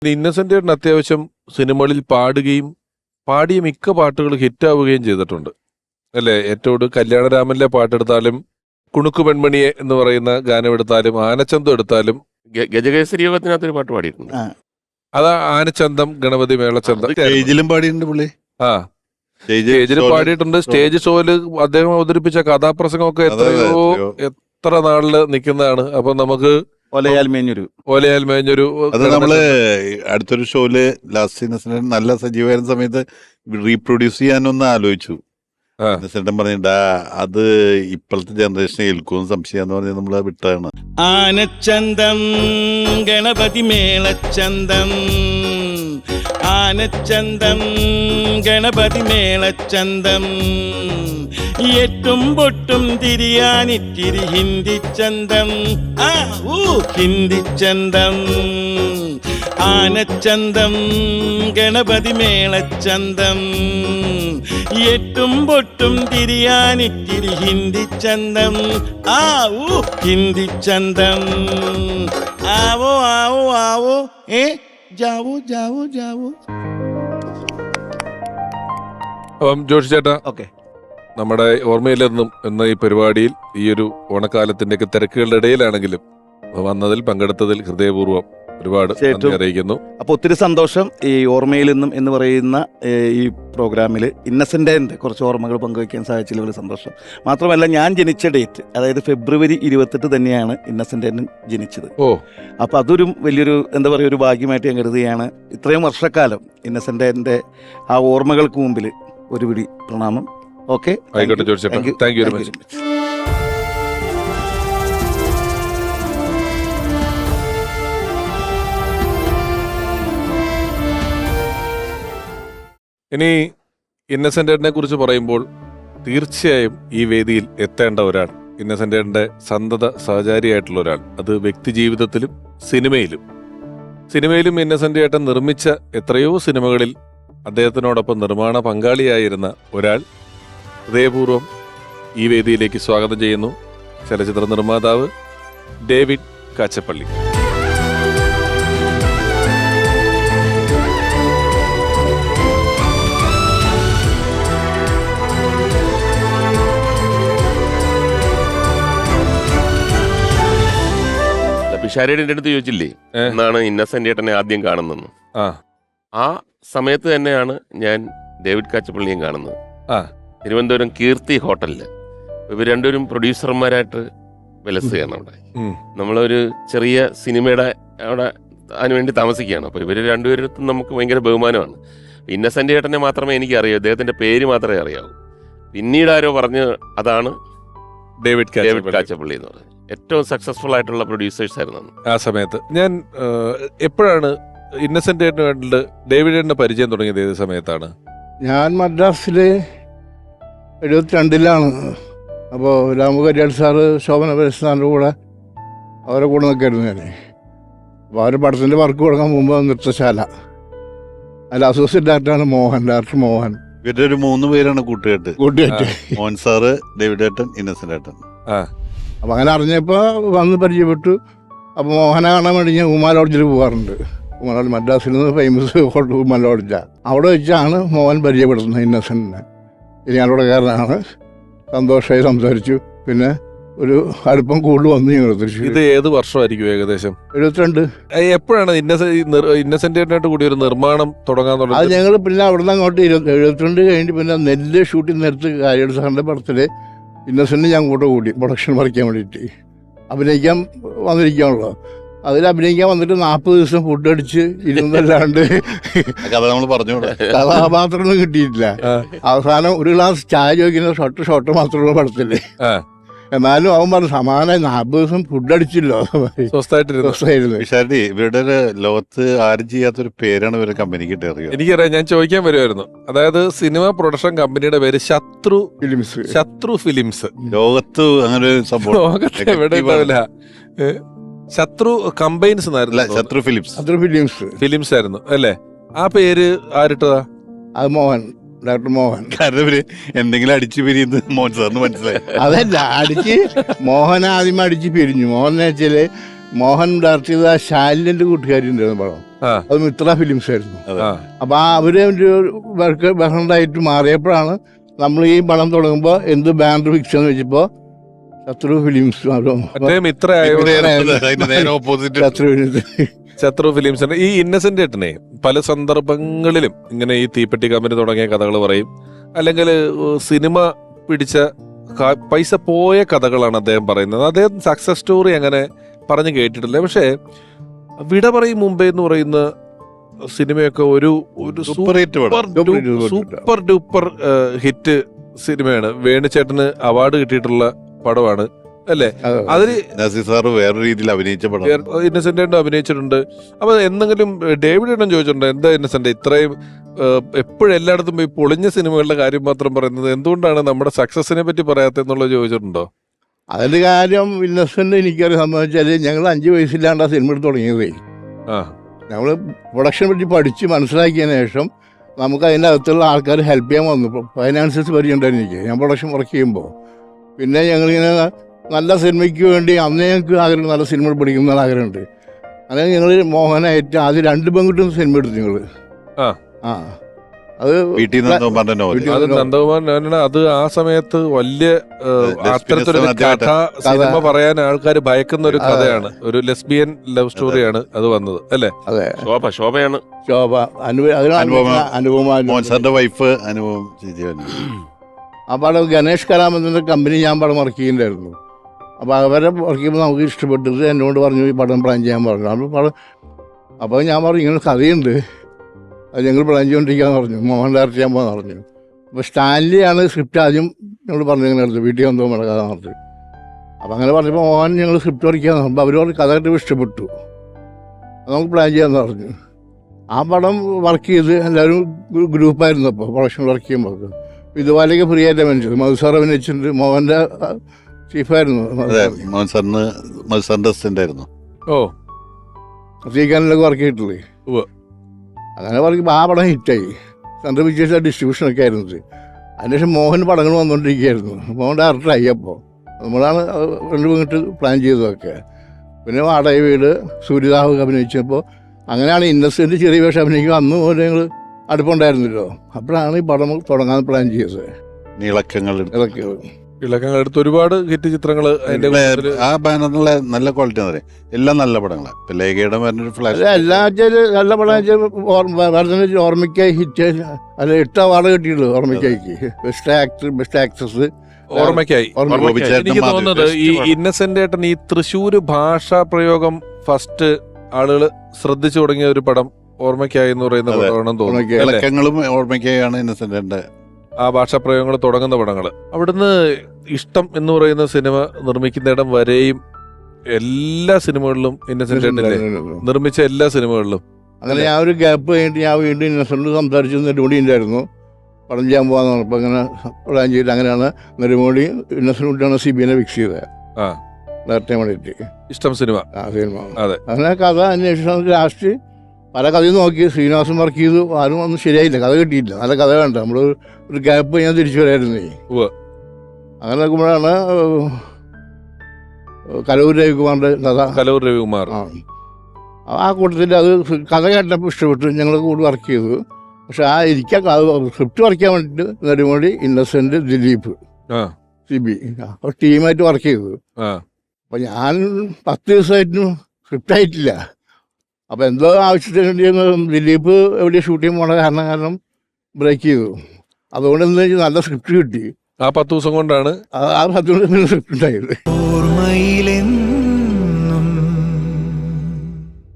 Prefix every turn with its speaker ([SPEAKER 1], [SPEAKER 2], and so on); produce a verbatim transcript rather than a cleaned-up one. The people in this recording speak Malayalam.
[SPEAKER 1] ഇന്നസെന്റ് ചേട്ടൻ അത്യാവശ്യം സിനിമകളിൽ പാടുകയും പാടിയ മിക്ക പാട്ടുകൾ ഹിറ്റാവുകയും ചെയ്തിട്ടുണ്ട് അല്ലേ? ഏറ്റവും കല്യാണരാമനിലെ പാട്ടെടുത്താലും കുണുക്കു പെൺമണിയെ എന്ന് പറയുന്ന ഗാനം എടുത്താലും ആനച്ചന്തം എടുത്താലും
[SPEAKER 2] ഗജകേസരി യോഗത്തിനകത്തൊരു പാട്ട് പാടിയിട്ടുണ്ട്.
[SPEAKER 1] അതാ ആനച്ചന്തം ഗണപതി മേളച്ചന്തം
[SPEAKER 3] സ്റ്റേജിലും പാടിയിട്ടുണ്ട് പുള്ളി.
[SPEAKER 1] ആ സ്റ്റേജിൽ പാടിയിട്ടുണ്ട്. സ്റ്റേജ് ഷോയില് അദ്ദേഹം അവതരിപ്പിച്ച കഥാപ്രസംഗമൊക്കെ എത്രയോ എത്ര നാളില് നിൽക്കുന്നതാണ്. അപ്പൊ നമുക്ക്
[SPEAKER 4] ഓലയാൽ മേഞ്ഞൊരു
[SPEAKER 1] ഓലയാൽ മേഞ്ഞൊരു
[SPEAKER 3] അത് നമ്മള് അടുത്തൊരു ഷോയില് ലാസ്റ്റ് ഇന്നസെന്റ് നല്ല സജീവമായിരുന്ന സമയത്ത് റീപ്രൊഡ്യൂസ് ചെയ്യാനൊന്ന് ആലോചിച്ചു. ഇന്നസെന്റൻ പറഞ്ഞിട്ടാ അത് ഇപ്പോഴത്തെ ജനറേഷനെ ഏൽക്കും സംശയം പറഞ്ഞ് നമ്മള് വിട്ടതാണ്.
[SPEAKER 4] ആനച്ചന്തം ഗണപതി മേളച്ചന്തം, ആനച്ചന്തം ഗണപതി മേളച്ചന്തം, എട്ടും പൊട്ടും തിരിയാനിത്തിരി ഹിന്ദി ചന്തം, ആ ഊ ഹിന്ദി ചന്തം, ആനച്ചന്തം ഗണപതി മേളച്ചന്തം, എട്ടും പൊട്ടും തിരിയാനിത്തിരി ഹിന്ദി ചന്തം, ആ ഊ ഹിന്ദി ചന്തം, ആവോ ആവോ ആവോ ഏ ജാവോ ജാവോ ജാവോ.
[SPEAKER 1] അപ്പം ജോഷി ചേട്ടാ,
[SPEAKER 4] ഓക്കെ,
[SPEAKER 1] നമ്മുടെ ഓർമ്മയിലെന്നും എന്ന ഈ പരിപാടിയിൽ ഈ ഒരു ഓണക്കാലത്തിന്റെ ഒക്കെ തിരക്കുകളുടെ ഇടയിലാണെങ്കിലും വന്നതിൽ പങ്കെടുത്തതിൽ ഹൃദയപൂർവ്വം ഒരുപാട് നന്ദി അറിയിക്കുന്നു.
[SPEAKER 4] അപ്പോൾ ഒത്തിരി സന്തോഷം. ഈ ഓർമ്മയിൽ നിന്നും എന്ന് പറയുന്ന ഈ പ്രോഗ്രാമിൽ ഇന്നസെൻ്റിൻ്റെ കുറച്ച് ഓർമ്മകൾ പങ്കുവയ്ക്കാൻ സാധിച്ചതിൽ വലിയ സന്തോഷം. മാത്രമല്ല, ഞാൻ ജനിച്ച ഡേറ്റ് അതായത് ഫെബ്രുവരി ഇരുപത്തെട്ട് തന്നെയാണ് ഇന്നസെൻ്റ് ജനിച്ചത്.
[SPEAKER 1] ഓ
[SPEAKER 4] അപ്പോൾ അതൊരു വലിയൊരു എന്താ പറയുക ഒരു ഭാഗ്യമായിട്ട് ഞാൻ കരുതുകയാണ്. ഇത്രയും വർഷക്കാലം ഇന്നസെൻ്റിൻ്റെ ആ ഓർമ്മകൾക്ക് മുമ്പിൽ ഒരു പിടി പ്രണാമം. ഓക്കെ,
[SPEAKER 1] ആയിക്കോട്ടെ ജോഷി ചേട്ടാ, താങ്ക് യു വെരി മച്ച്. ഇനി ഇന്നസെന്റിനെ കുറിച്ച് പറയുമ്പോൾ തീർച്ചയായും ഈ വേദിയിൽ എത്തേണ്ട ഒരാൾ, ഇന്നസെന്റിന്റെ സന്തത സഹചാരിയായിട്ടുള്ള ഒരാൾ, അത് വ്യക്തി ജീവിതത്തിലും സിനിമയിലും സിനിമയിലും ഇന്നസെന്റ് ചേട്ടൻ നിർമ്മിച്ച എത്രയോ സിനിമകളിൽ അദ്ദേഹത്തിനോടൊപ്പം നിർമ്മാണ പങ്കാളിയായിരുന്ന ഒരാൾ ഹൃദയപൂർവ്വം ഈ വേദിയിലേക്ക് സ്വാഗതം ചെയ്യുന്നു. ചലച്ചിത്ര നിർമ്മാതാവ് ഡേവിഡ് കാച്ചപ്പള്ളി.
[SPEAKER 2] പിഷാരയുടെ അടുത്ത് ചോദിച്ചില്ലേ എന്നാണ് ഇന്നസെന്റ് ചേട്ടനെ ആദ്യം കാണുന്നത്.
[SPEAKER 1] ആ
[SPEAKER 2] ആ സമയത്ത് തന്നെയാണ് ഞാൻ ഡേവിഡ് കാച്ചപ്പള്ളിയും കാണുന്നത്.
[SPEAKER 1] ആ
[SPEAKER 2] തിരുവനന്തപുരം കീർത്തി ഹോട്ടലില് ഇവർ രണ്ടുപേരും പ്രൊഡ്യൂസർമാരായിട്ട് വിലസുകയാണ് അവിടെ. നമ്മളൊരു ചെറിയ സിനിമയുടെ അവിടെ അതിനുവേണ്ടി താമസിക്കുകയാണ്. അപ്പോൾ ഇവർ രണ്ടുപേരും നമുക്ക് ഭയങ്കര ബഹുമാനമാണ്. ഇന്നസെന്റ് ചേട്ടനെ മാത്രമേ എനിക്ക് അറിയൂ, അദ്ദേഹത്തിന്റെ പേര് മാത്രമേ അറിയാവൂ. പിന്നീട് ആരോ പറഞ്ഞ് അതാണ്
[SPEAKER 1] ഡേവിഡ്
[SPEAKER 2] ഡേവിഡ് കാച്ചപ്പള്ളി എന്ന് പറയുന്നത്. ഏറ്റവും സക്സസ്ഫുൾ ആയിട്ടുള്ള പ്രൊഡ്യൂസേഴ്സ് ആയിരുന്നു
[SPEAKER 1] ആ സമയത്ത്. ഞാൻ എപ്പോഴാണ് ഇന്നസെന്റ് ചേട്ടന് വേണ്ടി ഡേവിഡ് ചേട്ടന്റെ പരിചയം തുടങ്ങിയത്? ഏത് സമയത്താണ്?
[SPEAKER 5] ഞാൻ മദ്രാസില് എഴുപത്തിരണ്ടിലാണ്. അപ്പോൾ രാമുകരിയാട് സാറ് ശോഭന പരസ്നാറിൻ്റെ കൂടെ അവരെ കൂടെ നിൽക്കായിരുന്നു ഞാൻ. അപ്പോൾ അവർ പടത്തിൻ്റെ വർക്ക് തുടങ്ങാൻ മുമ്പ് നൃത്തശാല, അതിൽ അസോസിയേറ്റ് ഡയറക്ടറാണ് മോഹൻ, ഡയറക്ടർ മോഹൻ.
[SPEAKER 3] ഇവരുടെ ഒരു മൂന്ന് പേരാണ് കൂട്ടുകെട്ട്.
[SPEAKER 5] കൂട്ടുകെട്ട്
[SPEAKER 3] മോഹൻ സാറ്, ഡേവിഡ് ഏട്ടൻ, ഇന്നസെന്റ് ഏട്ടൻ.
[SPEAKER 1] ആ
[SPEAKER 5] അപ്പോൾ അങ്ങനെ അറിഞ്ഞപ്പോൾ വന്ന് പരിചയപ്പെട്ടു. അപ്പോൾ മോഹനെ കാണാൻ വേണ്ടി ഞാൻ ഉമാ ലോഡ്ജിൽ പോകാറുണ്ട്. ഉമാ ലോഡ്ജ് മദ്രാസിൽ നിന്ന് ഫേമസ് ഹോട്ടൽ ഉമാ ലോഡ്ജാണ്. അവിടെ വെച്ചാണ് മോഹൻ പരിചയപ്പെടുത്തുന്നത് ഇന്നസെന്റിനെ. ഇരിങ്ങാലക്കുടക്കാരനാണ്. സന്തോഷമായി സംസാരിച്ചു. പിന്നെ ഒരു അടുപ്പം കൂടുതൽ വന്നു ഞങ്ങൾ തൃശ്ശൂർ.
[SPEAKER 1] ഇത് ഏത് വർഷമായിരിക്കും ഏകദേശം?
[SPEAKER 5] എഴുപത്തിരണ്ട്.
[SPEAKER 1] എപ്പോഴാണ് ഇന്നസെന്റ് ചേട്ടനായിട്ട് കൂടി ഒരു നിർമ്മാണം തുടങ്ങാൻ
[SPEAKER 5] അത്
[SPEAKER 1] തുടങ്ങി?
[SPEAKER 5] ഞങ്ങൾ പിന്നെ അവിടെ നിന്ന് അങ്ങോട്ട് ഇരുപത്തി എഴുപത്തിരണ്ട് കഴിഞ്ഞ് പിന്നെ നെല്ല് ഷൂട്ടിംഗ് നേരത്ത് കാര്യയുടെ സാറിൻ്റെ പടത്തിൽ ഇന്നസെന്റ് ഞാൻ കൂടെ കൂടി പ്രൊഡക്ഷൻ പറിക്കാൻ വേണ്ടിയിട്ട് അഭിനയിക്കാൻ വന്നിരിക്കുകയാണല്ലോ. അതിൽ അഭിനയിക്കാൻ വന്നിട്ട് നാൽപ്പത് ദിവസം ഫുഡ് അടിച്ച് ഇരുന്നല്ലാണ്ട്
[SPEAKER 3] കഥ നമ്മൾ പറഞ്ഞു
[SPEAKER 5] കഥാപാത്രമൊന്നും കിട്ടിയിട്ടില്ല. അവസാനം ഒരു ഗ്ലാസ് ചായ ചോദിക്കുന്ന ഷോട്ട് ഷോട്ട് മാത്രമുള്ള പടത്തില്. എന്നാലും അവൻ പറഞ്ഞു സമാന നാൽപ്പത് ദിവസം ഫുഡ് അടിച്ചില്ലോ.
[SPEAKER 3] വിശാരടി, ഇവരുടെ ഒരു ലോകത്ത് ആരും ചെയ്യാത്തൊരു പേരാണ് ഇവരുടെ കമ്പനിക്ക് അറിയാം.
[SPEAKER 1] എനിക്കറിയാം, ഞാൻ ചോദിക്കാൻ വരുമായിരുന്നു. അതായത് സിനിമ പ്രൊഡക്ഷൻ കമ്പനിയുടെ പേര് ശത്രു
[SPEAKER 5] ഫിലിംസ്.
[SPEAKER 1] ശത്രു ഫിലിംസ്.
[SPEAKER 3] ലോകത്ത് അങ്ങനെ ഒരു സംഭവം
[SPEAKER 1] ലോകത്ത് എവിടെ ഉണ്ടാവില്ല. ശത്രു കമ്പൈൻസ്
[SPEAKER 3] ശത്രു ഫിലിംസ്.
[SPEAKER 5] ശത്രു ഫിലിംസ്
[SPEAKER 1] ഫിലിംസ് ആയിരുന്നു അല്ലേ? ആ പേര് ആരിട്ടതാ?
[SPEAKER 5] അത് മോഹൻ, ഡോക്ടർ മോഹൻ.
[SPEAKER 3] കാരണം ഇവര് എന്തെങ്കിലും അടിച്ചു പിരിയുന്നത് മോഹൻ സാറിന് മനസ്സിലായി.
[SPEAKER 5] അതല്ല, അടിച്ച് മോഹൻ ആദ്യം അടിച്ച് പിരിഞ്ഞു. മോഹൻ എന്ന് വെച്ചാല് മോഹൻ ഡയറക്ട് ചെയ്ത ശാലിന്റെ കൂട്ടുകാരി ഉണ്ടായിരുന്നു പടം.
[SPEAKER 1] ആ.
[SPEAKER 5] അത് മിത്ര ഫിലിംസ് ആയിരുന്നു.
[SPEAKER 1] ആ.
[SPEAKER 5] അപ്പൊ ആ അവര് വർക്ക് ബഹണ്ടായിട്ട് മാറിയപ്പോഴാണ് നമ്മൾ ഈ പടം തുടങ്ങുമ്പോൾ എന്ത് ബാനർ ഫിക്സ് എന്ന് വെച്ചപ്പോ ശത്രു ഫിലിംസ്
[SPEAKER 1] മറ്റേ മിത്ര ആയതുകൊണ്ട്
[SPEAKER 3] അതിന്റെ നേരെ ഓപ്പോസിറ്റ്.
[SPEAKER 5] ശത്രു ഫിലിംസ്
[SPEAKER 1] ശത്രു ഫിലിംസിന്റെ ഈ ഇന്നസെന്റ് ഏട്ടനെ പല സന്ദർഭങ്ങളിലും ഇങ്ങനെ ഈ തീപ്പെട്ടി കമ്പനി തുടങ്ങിയ കഥകൾ പറയും, അല്ലെങ്കിൽ സിനിമ പിടിച്ച ക- പൈസ പോയ കഥകളാണ് അദ്ദേഹം പറയുന്നത്. അദ്ദേഹം സക്സസ് സ്റ്റോറി അങ്ങനെ പറഞ്ഞു കേട്ടിട്ടില്ല. പക്ഷേ വിട പറയും മുംബൈ എന്ന് പറയുന്ന സിനിമയൊക്കെ ഒരു ഒരു
[SPEAKER 3] സൂപ്പർ ഹിറ്റ് പടം.
[SPEAKER 1] സൂപ്പർ സൂപ്പർ ഡൂപ്പർ ഹിറ്റ് സിനിമയാണ്. വേണുചേട്ടന് അവാർഡ് കിട്ടിയിട്ടുള്ള പടമാണ് അല്ലേ? അതില്
[SPEAKER 3] നസീർ സാറ് വേറെ രീതിയിൽ അഭിനയിച്ച പടം.
[SPEAKER 1] ഇന്നസെന്റ് ഏട്ടൻ അഭിനയിച്ചിട്ടുണ്ട്. അപ്പൊ എന്തെങ്കിലും ഡേവിഡ് ഏട്ടൻ ചോദിച്ചിട്ടുണ്ട്, എന്താ ഇന്നസെന്റ് ഇത്രയും എപ്പോഴും എല്ലായിടത്തും പോയി പൊളിഞ്ഞ സിനിമകളുടെ കാര്യം മാത്രം പറയുന്നത്, എന്തുകൊണ്ടാണ് നമ്മുടെ സക്സസിനെ പറ്റി പറയാത്തെന്നുള്ളത് ചോദിച്ചിട്ടുണ്ടോ?
[SPEAKER 5] അതിന്റെ കാര്യം ഇന്നസെന്റ് എനിക്കറിയാൻ സംബന്ധിച്ചാല് ഞങ്ങൾ അഞ്ചു വയസ്സില്ലാണ്ട് ആ സിനിമ എടുത്ത് തുടങ്ങിയതേ.
[SPEAKER 1] ആ
[SPEAKER 5] ഞങ്ങൾ പ്രൊഡക്ഷനെ പറ്റി പഠിച്ച് മനസ്സിലാക്കിയതിന് ശേഷം നമുക്ക് അതിൻ്റെ അകത്തുള്ള ആൾക്കാർ ഹെൽപ്പ് ചെയ്യാൻ വന്നു. ഫൈനാൻഷ്യൽസ് പരിചയമുണ്ടായിരുന്നു എനിക്ക്, ഞാൻ പ്രൊഡക്ഷൻ വർക്ക് ചെയ്യുമ്പോൾ. പിന്നെ ഞങ്ങളിങ്ങനെ നല്ല സിനിമയ്ക്ക് വേണ്ടി അന്ന് ഞങ്ങൾക്ക് ആഗ്രഹം, നല്ല സിനിമ പഠിക്കുന്ന ആഗ്രഹമുണ്ട്. അങ്ങനെ ഞങ്ങൾ മോഹനായിട്ട് ആദ്യം രണ്ട് പെൺകുട്ടിയും സിനിമ എടുത്തു ഞങ്ങൾ.
[SPEAKER 1] ആ.
[SPEAKER 5] ആ അത്
[SPEAKER 3] വീട്ടിൽ നിന്ന് പറഞ്ഞ നോവൽ.
[SPEAKER 1] അത് നന്ദകുമാർ ഞാനാണ്. അത് ആ സമയത്ത് വലിയ ഏഹ്, അത്തരത്തിലൊരു കഥ സിനിമ പറയാൻ ആൾക്കാർ ഭയക്കുന്ന ഒരു കഥയാണ്. ഒരു ലെസ്ബിയൻ ലവ് സ്റ്റോറിയാണ് അത് വന്നത് അല്ലേ?
[SPEAKER 5] അതെ.
[SPEAKER 2] ശോഭ ശോഭയാണ്
[SPEAKER 5] ശോഭ അനുഭവ
[SPEAKER 3] അനുപമ.
[SPEAKER 5] അനുപമ
[SPEAKER 3] മോഹൻ സാറിന്റെ വൈഫ് അനുഭവം ചെയ്തു.
[SPEAKER 5] ആ പടം ഗണേഷ് കലാമന്ദിന്റെ കമ്പനി ഞാൻ പടം വർക്ക് ചെയ്യുന്നുണ്ടായിരുന്നു. അപ്പോൾ അവരെ വർക്ക് ചെയ്യുമ്പോൾ നമുക്ക് ഇഷ്ടപ്പെട്ടത് എന്നോട് പറഞ്ഞു ഈ പടം പ്ലാൻ ചെയ്യാൻ പറഞ്ഞു. അപ്പോൾ പടം അപ്പോൾ ഞാൻ പറഞ്ഞു ഇങ്ങനെ കഥയുണ്ട്, അത് ഞങ്ങൾ പ്ലാൻ ചെയ്തുകൊണ്ടിരിക്കാന്ന് പറഞ്ഞു, മോഹൻ ഡയറക്റ്റ് ചെയ്യാൻ പോകാന്ന് പറഞ്ഞു. അപ്പോൾ സ്റ്റാൻലിയാണ് സ്ക്രിപ്റ്റ് ആദ്യം ഞങ്ങൾ പറഞ്ഞു ഇങ്ങനെ എടുത്തു, വീട്ടിൽ വന്നോ വേണം കഥ പറഞ്ഞു. അപ്പോൾ അങ്ങനെ പറഞ്ഞപ്പോൾ മോഹൻ ഞങ്ങൾ സ്ക്രിപ്റ്റ് വരയ്ക്കാന്ന് പറഞ്ഞു. അവർ പറഞ്ഞ് കഥ കിട്ടുമ്പോൾ ഇഷ്ടപ്പെട്ടു, അത് നമുക്ക് പ്ലാൻ ചെയ്യാമെന്ന് പറഞ്ഞു. ആ പടം വർക്ക് ചെയ്ത് എല്ലാവരും ഗ്രൂപ്പായിരുന്നു. അപ്പോൾ പ്രൊഡക്ഷൻ വർക്ക് ചെയ്യുമ്പോൾ ഇതുപോലെയൊക്കെ ഫ്രീ ആയിട്ട് അഭിനയിച്ചത്. മധുസാർ അഭിനയിച്ചിട്ടുണ്ട്, മോഹൻ്റെ ചീഫായിരുന്നു.
[SPEAKER 3] അതെ, മോഹൻ സാറിന് മോഹൻ സാറിന്റെ അസിസ്റ്റന്റ് ആയിരുന്നു.
[SPEAKER 1] ഓ
[SPEAKER 5] ശ്രീകാനിലൊക്കെ വർക്ക് ചെയ്തിട്ടില്ലേ.
[SPEAKER 1] ഉവ്വ്.
[SPEAKER 5] അങ്ങനെ പറയുമ്പോൾ ആ പടം ഹിറ്റായി. സെൻട്രൽ പിക്ചേഴ്സ് ഡിസ്ട്രിബ്യൂഷനൊക്കെ ആയിരുന്നത്. അതിനുശേഷം മോഹൻ പടങ്ങൾ വന്നുകൊണ്ടിരിക്കുകയായിരുന്നു. മോഹൻ ഡയറക്ടറായി. അപ്പോൾ നമ്മളാണ് രണ്ട് മിനിറ്റ് പ്ലാൻ ചെയ്തതൊക്കെ. പിന്നെ വാടക വീട്, സൂര്യദാഹ് അഭിനയിച്ചപ്പോൾ അങ്ങനെയാണ് ഇന്നസെന്റ് ചെറിയ വേഷം അഭിനയിക്കുക. അന്ന് പോലെ ഞങ്ങൾ അടുപ്പുണ്ടായിരുന്നല്ലോ. അപ്പോഴാണ് ഈ പടം തുടങ്ങാൻ പ്ലാൻ ചെയ്തത്.
[SPEAKER 3] നീളക്കങ്ങൾ എടുത്ത്.
[SPEAKER 5] ഇതൊക്കെ
[SPEAKER 1] ഇളക്കങ്ങൾ എടുത്ത് ഒരുപാട് ഹിറ്റ് ചിത്രങ്ങൾ അതിന്റെ കൂട്ടത്തില്
[SPEAKER 3] ആ ബാനറിലെ നല്ല ക്വാളിറ്റി എന്ന് പറയും. എല്ലാം നല്ല പടങ്ങളാണ്. ഇപ്പൊ ലേഖയുടെ പറഞ്ഞൊരു ഫ്ലാഷ്
[SPEAKER 5] എല്ലാ നല്ല പടം ഓർമ്മയ്ക്കായി ഹിറ്റ് അല്ല എട്ട് അവാർഡ് കിട്ടിയുള്ളൂ ഓർമ്മയ്ക്കായിക്ക്. ബെസ്റ്റ് ആക്ടർ, ബെസ്റ്റ് ആക്ട്രസ്
[SPEAKER 1] ഓർമ്മയ്ക്കായി. എനിക്ക് തോന്നുന്നത് ഈ ഇന്നസെന്റ് ഏട്ടൻ ഈ തൃശ്ശൂര് ഭാഷാ പ്രയോഗം ഫസ്റ്റ് ആളുകൾ ശ്രദ്ധിച്ചു തുടങ്ങിയ ഒരു പടം ഓർമ്മയ്ക്കായി എന്ന് പറയുന്ന പടമാണെന്ന് തോന്നുന്നു.
[SPEAKER 3] ഇളക്കങ്ങളും ഓർമ്മയ്ക്കായാണ് ഇന്നസെന്റിന്റെ
[SPEAKER 1] ആ ഭാഷാപ്രയോഗങ്ങൾ തുടങ്ങുന്ന പടങ്ങൾ. അവിടുന്ന് ഇഷ്ടം എന്ന് പറയുന്ന സിനിമ നിർമ്മിക്കുന്നിടം വരെയും എല്ലാ സിനിമകളിലും ഇന്നസെന്റ് ഏട്ടനില്ലേ നിർമ്മിച്ച എല്ലാ സിനിമകളിലും.
[SPEAKER 5] അങ്ങനെ ഞാൻ ഒരു ഗ്യാപ്പ് കഴിഞ്ഞിട്ട് ഞാൻ വീണ്ടും ഇന്നസെന്റ് സംസാരിച്ചു നെടുമുടി ഉണ്ടായിരുന്നു പടം ചെയ്യാൻ പോകാന്ന് പറഞ്ഞപ്പോൾ അങ്ങനെ പ്ലാൻ ചെയ്തിട്ട് അങ്ങനെയാണ് നെടുമുടി ഇന്നസെന്റാണ് സി ബി ഐനെ ഫിക്സ് ചെയ്തത്.
[SPEAKER 1] ആ
[SPEAKER 5] ഡയറക്ടർ വേണ്ടിയിട്ട്
[SPEAKER 1] ഇഷ്ടം സിനിമ.
[SPEAKER 5] ആ സിനിമ.
[SPEAKER 1] അതെ.
[SPEAKER 5] അങ്ങനെ കഥ അന്വേഷിച്ചു. ലാസ്റ്റ് പല കഥയും നോക്കി ശ്രീനിവാസൻ വർക്ക് ചെയ്തു. ആരും ഒന്നും ശരിയായില്ല, കഥ കിട്ടിയില്ല. നല്ല കഥ വേണ്ട, നമ്മൾ ഒരു ഗ്യാപ്പ് ഞാൻ തിരിച്ചു വരായിരുന്നേ.
[SPEAKER 1] ഉവ്വ്.
[SPEAKER 5] അങ്ങനെ നോക്കുമ്പോഴാണ് കലൂർ രവികുമാറിന്റെ കഥ.
[SPEAKER 1] കലൂർ രവികുമാർ.
[SPEAKER 5] ആ ആ കൂട്ടത്തിൽ അത് കഥ കേട്ടപ്പോൾ ഇഷ്ടപ്പെട്ടു. ഞങ്ങൾ കൂടി വർക്ക് ചെയ്തു. പക്ഷെ ആ ഇരിക്കാൻ സ്ക്രിപ്റ്റ് വർക്ക് ചെയ്യാൻ വേണ്ടിയിട്ട് നെടുമുടി, ഇന്നസെന്റ്, ദിലീപ്,
[SPEAKER 1] ആ
[SPEAKER 5] സി ബി അപ്പോൾ ടീമായിട്ട് വർക്ക് ചെയ്തു.
[SPEAKER 1] ആ
[SPEAKER 5] അപ്പം ഞാൻ പത്ത് ദിവസമായിട്ടും സ്ക്രിപ്റ്റ് ആയിട്ടില്ല. അപ്പോൾ എന്തോ ആവശ്യത്തിന് വേണ്ടി ദിലീപ് എവിടെ ഷൂട്ട് ചെയ്യാൻ പോണ കാരണം കാരണം ബ്രേക്ക് ചെയ്തു. അതുകൊണ്ട് എന്താ വെച്ചാൽ നല്ല സ്ക്രിപ്റ്റ് കിട്ടി.
[SPEAKER 1] ആ പത്ത് ദിവസം കൊണ്ടാണ്
[SPEAKER 5] ആ പത്ത് ദിവസം സ്ക്രിപ്റ്റ് ഉണ്ടായത്.